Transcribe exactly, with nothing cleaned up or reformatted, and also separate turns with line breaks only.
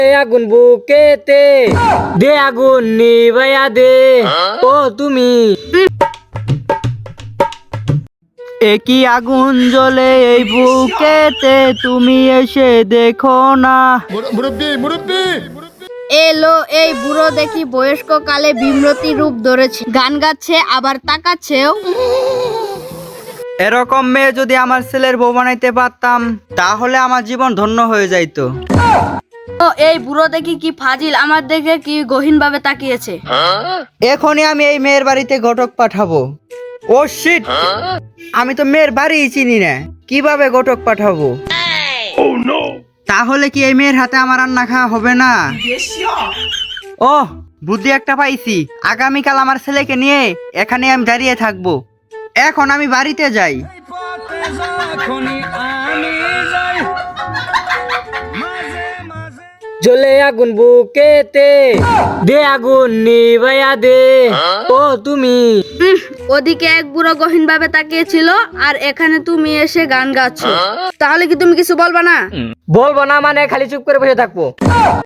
আগুন বুকেতে দে আগুন নিভাইয়া দে ও তুমি
একই আগুন জ্বলে এই বুকেতে, তুমি এসে দেখো না।
এলো এই বুড়ো দেখি বয়স্ক কালে বিমরতি রূপ ধরেছে, গান গাচ্ছে আবার তাকাচ্ছেও।
এরকম মেয়ে যদি আমার ছেলের বউ বানাইতে পারতাম তাহলে আমার জীবন ধন্য হয়ে যাইতো।
ও এই বুড়ো দেখি কি ফাজিল, আমার দেখে কি গহীন ভাবে তাকিয়েছে।
এখনই আমি এই মেয়ের বাড়িতে ঘটক পাঠাবো। ও শিট, আমি তো মেয়ের বাড়ি চিনি না, কিভাবে ঘটক পাঠাবো? তাহলে কি এই মেয়ের হাতে আমার রান্না খাওয়া হবে না? ও বুদ্ধি একটা পাইছি, আগামীকাল আমার ছেলেকে নিয়ে এখানে আমি দাঁড়িয়ে থাকবো। এখন আমি বাড়িতে যাই।
জ্বলে আগুন বুকেতে দে আগুন নিভাইয়া দে ও তুমি
উম, ওদিকে এক বুড়ো গহীন ভাবে তাকিয়েছিল আর এখানে তুমি এসে গান গাচ্ছ। তাহলে কি তুমি কিছু বলবা না?
বলবো না মানে খালি চুপ করে বসে থাকবো?